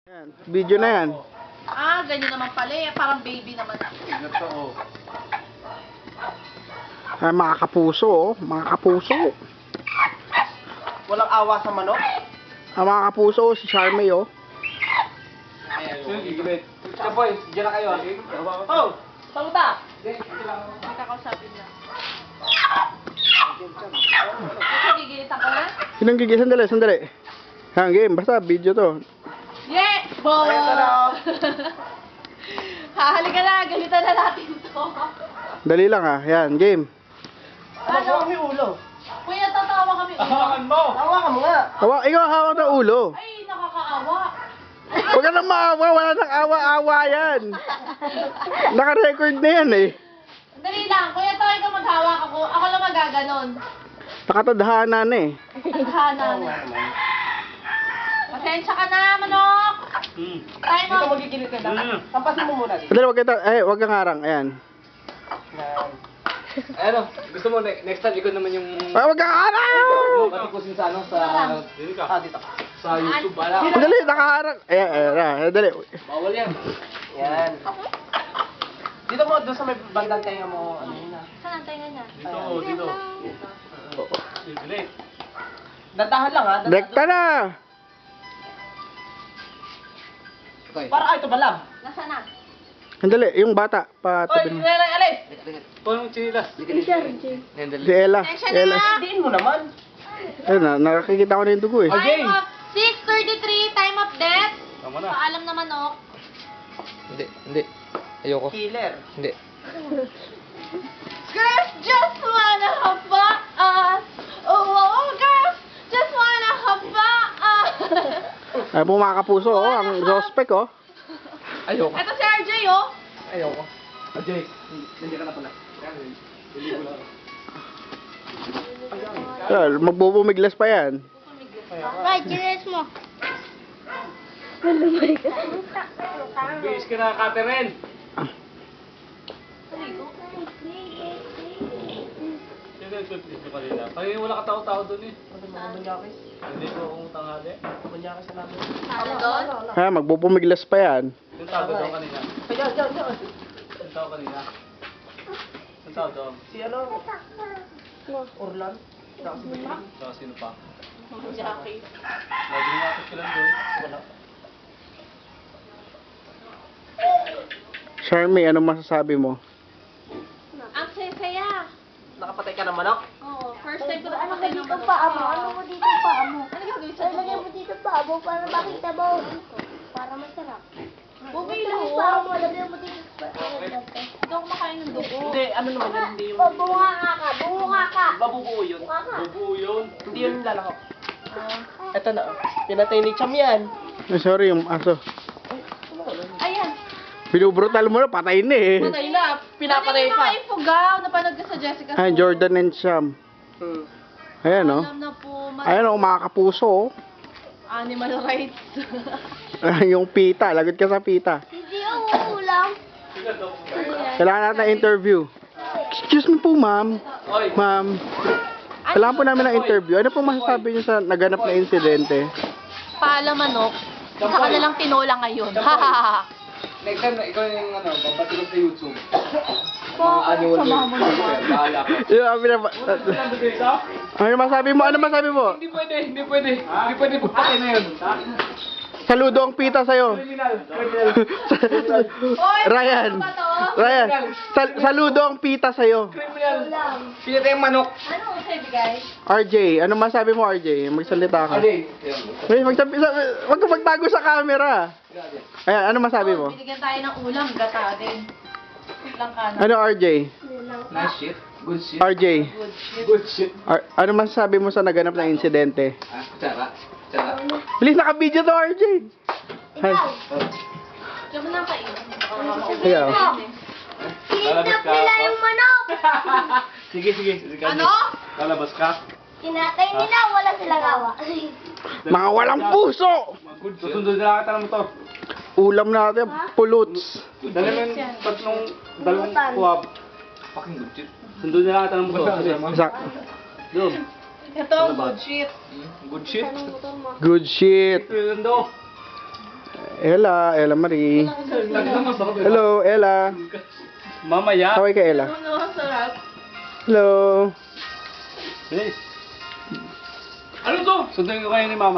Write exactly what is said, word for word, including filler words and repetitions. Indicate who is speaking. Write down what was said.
Speaker 1: Yan, video na yan.
Speaker 2: Ah, ganyan naman pala eh. Parang baby naman ako.
Speaker 3: Totoo.
Speaker 1: Ay, mga kapuso, oh. Mga kapuso.
Speaker 3: Walang awa sa manok?
Speaker 1: Ang mga kapuso, oh, si Charmy, oh.
Speaker 3: Gigibit. Ika boy, diyan na kayo. Oh!
Speaker 2: Saluta! May kakausapin na. Gigilitan ko na?
Speaker 1: Sinang gigi? Sandali, sandali. Yan, game. Basta, video to.
Speaker 2: Yeah! Bo!
Speaker 3: Ayan na lang.
Speaker 2: Hahalikan na, galitan na natin to.
Speaker 1: Dali lang, ah. Yan, game.
Speaker 3: Ano? May ulo.
Speaker 2: Kuya, tatawa kami.
Speaker 3: Hawakan mo! Hawakan mo nga!
Speaker 1: Awa, ikaw hawak ng ulo.
Speaker 2: Ay, nakakaawa.
Speaker 1: Huwag ka nang maawa. Wala nang awa-awa yan. Naka-record na yan, eh.
Speaker 2: Dali lang. Kuya, tayo ikaw maghawak ako. Ako lang magaganon.
Speaker 1: Nakatadhana na, eh.
Speaker 2: Tadhana na. Pasensya ka na, manok.
Speaker 3: Hmm.
Speaker 2: Tayo
Speaker 3: Dito
Speaker 2: mo.
Speaker 3: magigilid ka na. Tampasin mo muna dito.
Speaker 1: Sandali, huwag kita. Eh, huwag kang harang. Ayan.
Speaker 3: Ano, gusto mo ne- next time ikaw naman yung
Speaker 1: Ay, huwag kang harang!
Speaker 3: matikusin sa ano sa ah, dito. Sa YouTube ala.
Speaker 1: Sandali, nakaharang. Ayan, ayan, ayan. Sandali.
Speaker 3: Bawal yan. Yan. Dito mo doon sa may bandang tenga mo ano yun ah.
Speaker 2: Saan ang tenga niya?
Speaker 3: Dito, dito. Delete. Dadahan lang ha. dadahan.
Speaker 1: Dekta na!
Speaker 3: Para ay ito balam.
Speaker 2: Nasaan na?
Speaker 1: Sandali, yung bata.
Speaker 3: Oy,
Speaker 1: Patabi mo.
Speaker 3: alay, alay. Tuwan mo chinilas.
Speaker 1: Si Ella.
Speaker 2: Pasensya
Speaker 1: Ella.
Speaker 2: na.
Speaker 3: Diin mo naman.
Speaker 1: Ayun na, nakakikita ko na yung dugo, eh.
Speaker 3: Okay.
Speaker 2: Time of six thirty-three, time of death.
Speaker 3: Tama na.
Speaker 2: Paalam na manok.
Speaker 4: Hindi, hindi. Ayoko.
Speaker 3: Killer.
Speaker 4: Hindi.
Speaker 2: Girls just wanna have us. Oh, oh, girls just wanna have us.
Speaker 1: Ay, po mga kapuso, oh. Ang suspect, oh.
Speaker 4: Ayoko.
Speaker 2: Ito si R J, oh.
Speaker 4: Ayoko.
Speaker 3: Ajay, nandiyan ka na pala. Diligo lang.
Speaker 1: Well, magbubumiglas pa yan.
Speaker 2: Right, gilis mo.
Speaker 3: Biis ka na, Catherine. Sino nag-flip mo kanina? Kaya wala ka tao-tao doon eh. Hindi ko akong tanghali.
Speaker 2: Ano doon?
Speaker 1: Ha, magbubumiglas pa yan.
Speaker 3: Yung tao doon kanina.
Speaker 5: Kaya, dyan, dyan.
Speaker 3: Yung tao kanina. Yung tao doon.
Speaker 5: Si ano? Orlan. Saka si Bill.
Speaker 3: Saka sino pa?
Speaker 2: Jackie.
Speaker 3: Lagi nga ako sila doon.
Speaker 5: Wala.
Speaker 1: Charmy, anong masasabi mo?
Speaker 2: Ang saya-saya.
Speaker 5: Nakapatay ka ng manok?
Speaker 2: Oo, first time ko
Speaker 6: Ano mo
Speaker 2: nakapatay ng
Speaker 6: dito
Speaker 2: manok.
Speaker 6: pa mo? Ano mo dito pa mo?
Speaker 2: Ano gagawin sa
Speaker 6: Lagyan
Speaker 2: dugo?
Speaker 6: mo dito pa mo para makita mo. Para masarap.
Speaker 2: Bumilo.
Speaker 6: Lagyan pa mo. Lagyan mo dito pa.
Speaker 2: Hindi ako makain ng dugo.
Speaker 5: Hindi, ano naman yun? Hindi yung...
Speaker 6: Oh, bunga nga ka. Bunga ka.
Speaker 5: Babubuo yun.
Speaker 6: Bunga ka.
Speaker 3: Bubuo yun.
Speaker 5: Hindi yun lalako. Ito na. oh. Pinatay ni Cham yan.
Speaker 1: Eh, sorry, yung aso.
Speaker 2: Ayan.
Speaker 1: Binubrutal mo na, patay na, eh.
Speaker 5: Patay na.
Speaker 2: Ano
Speaker 5: Pinapatay
Speaker 2: yung
Speaker 5: pa.
Speaker 2: mga ifugaw? Napanood ka sa Jessica
Speaker 1: Ayan,
Speaker 2: Soul?
Speaker 1: Jordan and Sham.
Speaker 5: Hmm.
Speaker 1: Ayan, oh.
Speaker 2: Alam na po. ma-
Speaker 1: Ayan, oh, mga kapuso, oh.
Speaker 2: Animal rights.
Speaker 1: Yung pita, lagot ka sa pita.
Speaker 6: Hindi ako ulam.
Speaker 1: Kailangan natin ng interview. Excuse me po, ma'am.
Speaker 3: Oy!
Speaker 1: Ma'am. Kailangan po namin ng interview. Ano po masasabi niyo sa naganap na insidente?
Speaker 2: Paalam manok. Saka na lang tinola ngayon. Hahaha.
Speaker 3: Next time na ikaw yung ano, babatulog sa YouTube. Mga annual review. Bahala ka.
Speaker 1: Yung sabi na ba? Ano masabi mo? Ano masabi mo?
Speaker 3: Hindi pwede, hindi pwede. Hindi pwede pagpatay na yun.
Speaker 1: Saludo ang pita sa'yo.
Speaker 3: Criminal. Criminal.
Speaker 2: Oy,
Speaker 1: Ryan.
Speaker 2: ano ba to?
Speaker 1: Ryan. Sal saludo ang pita sa'yo.
Speaker 3: Criminal. Pinatay yung manok.
Speaker 2: Ano ang sabi, guys?
Speaker 1: R J, ano masabi mo, R J? Magsalita ka.
Speaker 3: Ajay.
Speaker 1: Wait, magsabi, sa- wag ka magtago sa camera. Ayan, ano masabi mo?
Speaker 2: Binigyan tayo ng ulam, gata din. Lang ka na.
Speaker 1: Ano, R J?
Speaker 3: Nice shit. Good shit.
Speaker 1: R J,
Speaker 2: Good shit.
Speaker 3: Good shit.
Speaker 1: R- ano masasabi mo sa naganap na insidente?
Speaker 3: Ah, kutsara. Kutsara.
Speaker 1: Bilis, naka-video to, R J. Hi.
Speaker 2: Diyan mo lang kainin.
Speaker 1: Ayaw.
Speaker 6: Kinidnap nila yung manok.
Speaker 3: Sige, sige. sige
Speaker 2: Ano?
Speaker 3: Lalabas ka.
Speaker 6: Tinatay nila. Wala silang awa.
Speaker 1: Mga walang puso!
Speaker 3: Good shit. Susunod na kita ng motor.
Speaker 1: Ulam natin, puluts.
Speaker 3: Dali mo yung tatlong, dalawang kuwab. Fucking good shit. Sundo na lang kita ng motor.
Speaker 1: Isa,
Speaker 3: Doon.
Speaker 2: Ito, good shit.
Speaker 3: Good shit.
Speaker 1: good shit.
Speaker 3: Sundo.
Speaker 1: Ella, Ella Marie. Hello, Ella.
Speaker 3: Mamaya.
Speaker 1: Kaway ka, Ella.
Speaker 2: Ano masarap?
Speaker 1: Hello.
Speaker 3: Bilis. Ano to? Sundan ko kayo ni Mama.